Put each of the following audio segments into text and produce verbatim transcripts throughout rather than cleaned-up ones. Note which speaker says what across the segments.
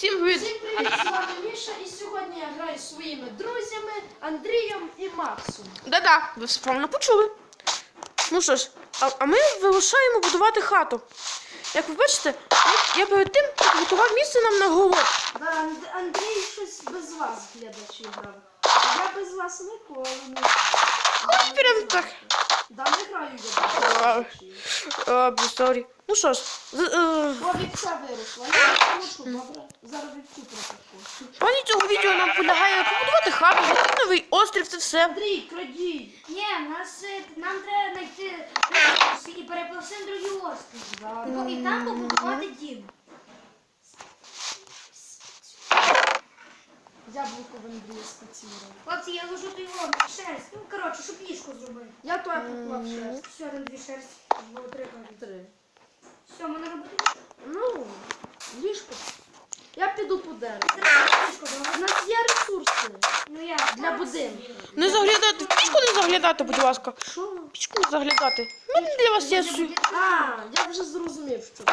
Speaker 1: Всім привіт!
Speaker 2: Всім привіт, з вами Міша, і сьогодні я граю зі своїми друзями Андрієм і Максом.
Speaker 1: Да-да, ви все правильно почули. Ну що ж, а, а ми вирушаємо будувати хату. Як ви бачите, я перед тим готував місце нам на город.
Speaker 2: Да, Анд- Андрій щось без вас, глядачі, грав. А я без вас ніколи не граю.
Speaker 1: Ой, прям так.
Speaker 2: Да, не граю я без глядачів.
Speaker 1: Сорі. Ну що ж, з- е,
Speaker 2: Бо вівця виросла, я прошу, добре? Зараз вівцю протаку.
Speaker 1: плані цього відео нам полягає побудувати хату, знайти новий острів, це все.
Speaker 2: Андрій, крадій!
Speaker 3: Ні, нас, е, нам треба знайти ресурси і перепливти на другий острів.
Speaker 2: Да.
Speaker 3: Тако, і там побудувати дім.
Speaker 2: Яблуко в Андрія спецірував.
Speaker 3: Хлопці, я ложу той вон, шерсть. Ну, коротше, щоб ліжко зробити.
Speaker 2: Я то поклав шерсть.
Speaker 3: Все, там дві шерсті. Було три кажуть.
Speaker 2: Три.
Speaker 3: Все, можна робити ліжко.
Speaker 2: Ну, ліжко. Я піду по дереву.
Speaker 3: Треба ліжко,
Speaker 2: У
Speaker 3: добре?
Speaker 2: нас є ресурси
Speaker 3: Ну як?
Speaker 2: для будинку.
Speaker 1: Не заглядати, в пічку не заглядати, будь ласка.
Speaker 2: Що?
Speaker 1: В пічку не заглядати. У мене для вас є... су-
Speaker 2: А, я вже зрозумів, що.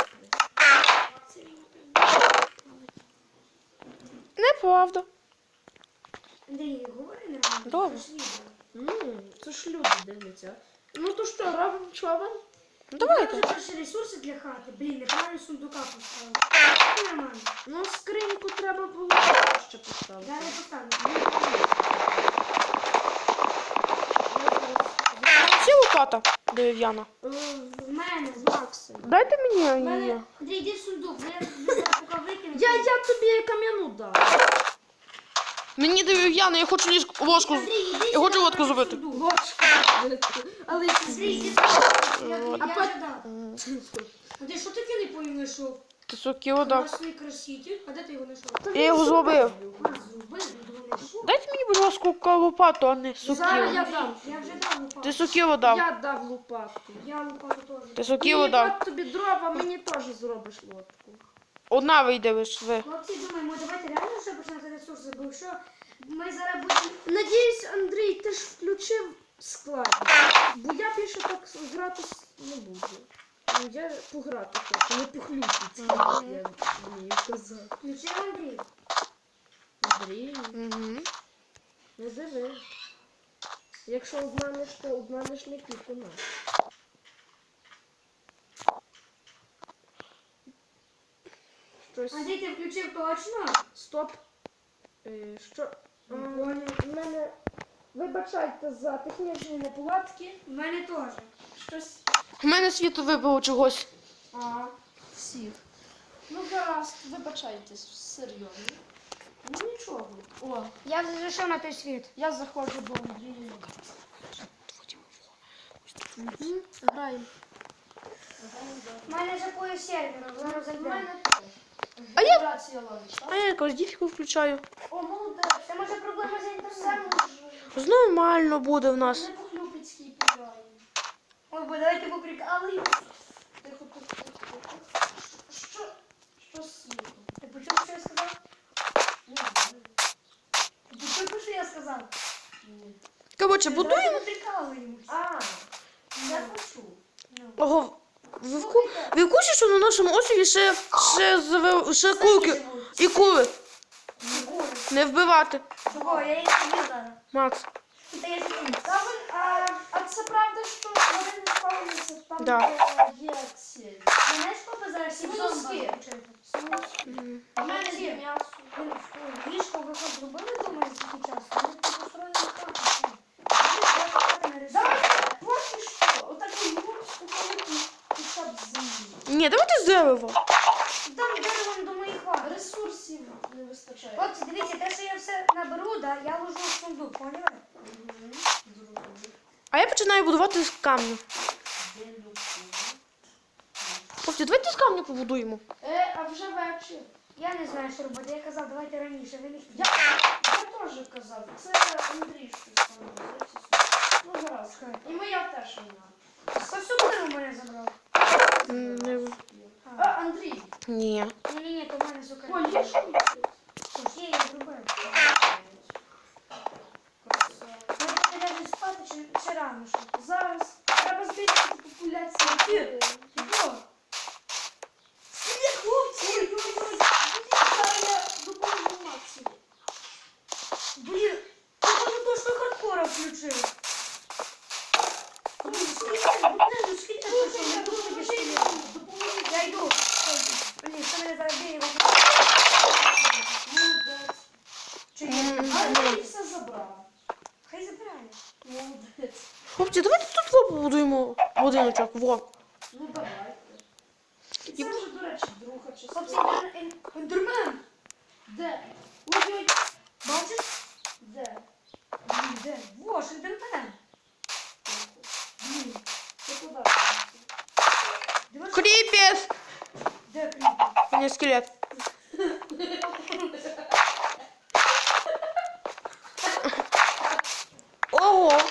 Speaker 1: Неправда.
Speaker 3: Андрій, говори нормально.
Speaker 1: Добре.
Speaker 3: це ж відео.
Speaker 2: Ну, це ж люди дивляться. Ну то що, робимо човен?
Speaker 1: Ну
Speaker 3: Треба
Speaker 1: давайте.
Speaker 3: вже перші ресурси для хати. Блін, неправильно сундука поставили. Це нормально.
Speaker 2: Ну, скриньку треба було ще поставити.
Speaker 3: Зараз я поставлю.
Speaker 1: Це лопата дерев'яна.
Speaker 2: Е,
Speaker 3: В мене.
Speaker 2: з Максом.
Speaker 1: Дайте мені
Speaker 3: В
Speaker 1: її.
Speaker 3: мене. Андрій, йди в сундук. бо Я я зараз поки викину.
Speaker 2: Я, я тобі кам'яну дав.
Speaker 1: Мені дерев'яна, я хочу ліжку, ложку.
Speaker 3: Андрій, іди
Speaker 1: Я хочу
Speaker 3: сюди,
Speaker 1: лодку
Speaker 3: в
Speaker 1: зробити.
Speaker 3: сундук.
Speaker 2: Ложка. Але
Speaker 3: Андрій, йди сюди. Я тобі
Speaker 2: А
Speaker 3: я
Speaker 2: по-
Speaker 3: вже дав. Андрій, що таке не поїм знайшов?
Speaker 1: Ти соки вода.
Speaker 3: Красний краситель. А де ти його знайшов?
Speaker 1: Я його зробив.
Speaker 3: А, зробив, його знайшов.
Speaker 1: Дайте мені, будь ласка, лопату, а не
Speaker 2: Зараз
Speaker 1: сокиру.
Speaker 2: я дам.
Speaker 3: Я вже дав лопату.
Speaker 1: Ти сокиру дав.
Speaker 2: Я дав лопатку.
Speaker 3: Я лопату теж.
Speaker 1: Ти сокиру дав.
Speaker 2: От тобі дрова, мені теж зробиш лодку.
Speaker 1: Одна вийде лиш ви.
Speaker 3: Хлопці, думаємо, давайте реально вже починати ресурси, бо що ми зараз будемо...
Speaker 2: Надіюсь, Андрій, ти ж включив складність. Бо я більше так грати с- не буду. Ну, я пограти хочу, не похлюпити, як я вмію казати.
Speaker 3: Включив Андрій.
Speaker 2: Андрій,
Speaker 1: Угу.
Speaker 2: не диви. Якщо обманеш, то обманеш не тільки нас. Щось.
Speaker 3: Андрій, ти включив точно?
Speaker 2: Стоп. Е, що? А, в мене... Вибачайте за технічні неполадки.
Speaker 3: В мене теж.
Speaker 2: Щось...
Speaker 1: У мене світло вибило чогось.
Speaker 2: А, всіх. Ну, гаразд, вибачайте, серйозно. Ну, нічого. О,
Speaker 3: Я вже зайшов на той світ.
Speaker 2: я заходжу до Андрія. Мгм, Граємо. Граємо,
Speaker 3: В мене вже пояс сервера, зараз
Speaker 2: да. В
Speaker 3: зайдемо.
Speaker 2: мене
Speaker 1: А я-
Speaker 2: вібрація ловить,
Speaker 1: А
Speaker 2: так?
Speaker 1: я якось діфіку включаю.
Speaker 2: О, молодець.
Speaker 3: Це може проблема з
Speaker 2: Все
Speaker 3: інтернетом.
Speaker 2: може.
Speaker 1: Нормально буде в нас.
Speaker 2: Не по-хлюпицькій підграємо.
Speaker 3: Ой, бо давайте поприкалуємо.
Speaker 2: Тихо, тихо, тихо, тихо. Що? Що з світом?
Speaker 3: Ти почув, що я сказав?
Speaker 2: Не знаю.
Speaker 3: Ти почув, що я сказав?
Speaker 2: Ні.
Speaker 1: Коротше, будуємо.
Speaker 3: Давайте поприкалуємося.
Speaker 2: А, я почув.
Speaker 1: Ого, ви в, ку... ви в курсі, що на нашому острові ще, ще, зв- ще курки і кури. Не вбивати.
Speaker 3: Чого? Я їх собі зараз.
Speaker 1: Макс.
Speaker 3: Та я собі.
Speaker 2: Та ви, а, а це правда, що вони не спавняться там,
Speaker 1: Да.
Speaker 2: де є ці
Speaker 3: Мене ж папа зараз всі
Speaker 2: Смузки.
Speaker 3: зомби включити.
Speaker 2: смужки? А в мене є м'ясо.
Speaker 3: Ліжко ви хоч зробили, думаю, за такий час? Ми тут построїли хату. все. Давайте хати не рисуємо.
Speaker 2: Давайте, поки що, отакий мурс, великий хоча б з землі.
Speaker 1: Ні, давайте з дерева.
Speaker 3: Там деревом до моїх хати.
Speaker 2: Ресурсів не вистачає.
Speaker 3: Хлопці, дивіться, те, що я все наберу, да, я ложу в сундук, поняли?
Speaker 2: Мгм. Зрозумів.
Speaker 1: А я починаю будувати з камню.
Speaker 2: Де люблю.
Speaker 1: Хлопці, давайте з камню побудуємо.
Speaker 2: Е, а вже вечір.
Speaker 3: Я не знаю, що робити. Я казав, давайте раніше, ви не
Speaker 2: Я,
Speaker 3: хотіли.
Speaker 2: я теж казав, це Андрій щось там робить. Ну, гаразд. І моя теж вона.
Speaker 3: Хто всю книгу в мене забрав?
Speaker 1: М, не-
Speaker 2: А, Андрій,
Speaker 1: Ні.
Speaker 3: Ні-ні-ні, то в мене сука.
Speaker 2: о, ліжко.
Speaker 3: Тож є, я зробив. Ми будемо спати чи, чи рано ще?
Speaker 2: Зараз треба збільшити популяцію.
Speaker 3: Чого?
Speaker 2: Скільки хлопців?
Speaker 3: Ой-ой-ой. зараз бігаю.
Speaker 2: Молодець.
Speaker 3: Чи є?
Speaker 1: М.
Speaker 2: Андрій все забрав.
Speaker 3: Хай забирає.
Speaker 2: Молодець.
Speaker 1: Хлопці, давайте тут во побудуємо будиночок. Во.
Speaker 2: Ну давайте. І це вже, до речі, друга
Speaker 3: Хлопці,
Speaker 2: частина.
Speaker 3: ендер- ен- ендермен.
Speaker 2: Де?
Speaker 3: Ой-ой. Бачиш?
Speaker 2: Де?
Speaker 3: Блін, де? Во, ж ендермен. Блін,
Speaker 2: Це куди?
Speaker 3: дивись,
Speaker 1: Кріпіс!
Speaker 3: де кріпер?
Speaker 1: У мене скелет. Ого!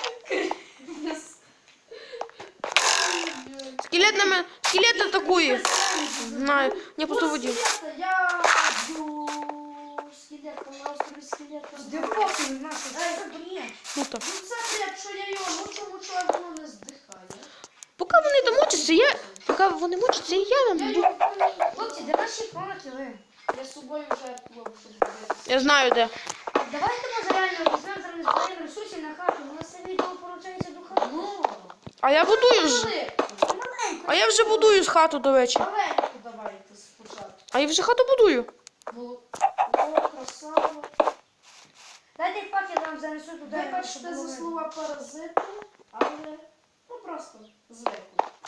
Speaker 1: Скелет на мене. Скелет атакує. Знаю. Я просто
Speaker 2: Ну,
Speaker 1: водів.
Speaker 2: скелета, я б'ю скелета на острові скелета.
Speaker 3: Де фокус наш? Це бред.
Speaker 1: Ну так.
Speaker 2: Ну це бред, що я його мучу, мучу, а воно не здихає.
Speaker 1: Поки вони там мучаться, я. Поки вони мучаться, і я
Speaker 2: Я
Speaker 1: вам.
Speaker 2: його помню.
Speaker 3: Хлопці, де наші факели?
Speaker 2: Я з собою жертвував, щоб дивитися.
Speaker 1: Я знаю де.
Speaker 3: Давайте може реально візьмемо зараз збираємо ресурсів на хату. У нас це відео поручається до хати.
Speaker 2: Ну,
Speaker 1: А я будую ж.
Speaker 2: маленьку.
Speaker 3: Маленько.
Speaker 1: А я вже будую з хату, до речі.
Speaker 2: Маленьку давайте спочатку.
Speaker 1: А я вже хату будую.
Speaker 2: Було. О, красава.
Speaker 3: Дайте факел нам занесу туди.
Speaker 2: Вибачте
Speaker 3: щоб
Speaker 2: за
Speaker 3: було
Speaker 2: слова паразиту, але ну просто звикли.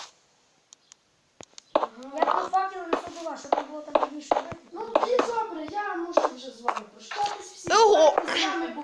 Speaker 3: Я по факелу несу до вас, щоб не було там більше.
Speaker 2: Ну тоді добре, я можу вже з вами прощатись. Всі
Speaker 1: Ого!
Speaker 2: з вами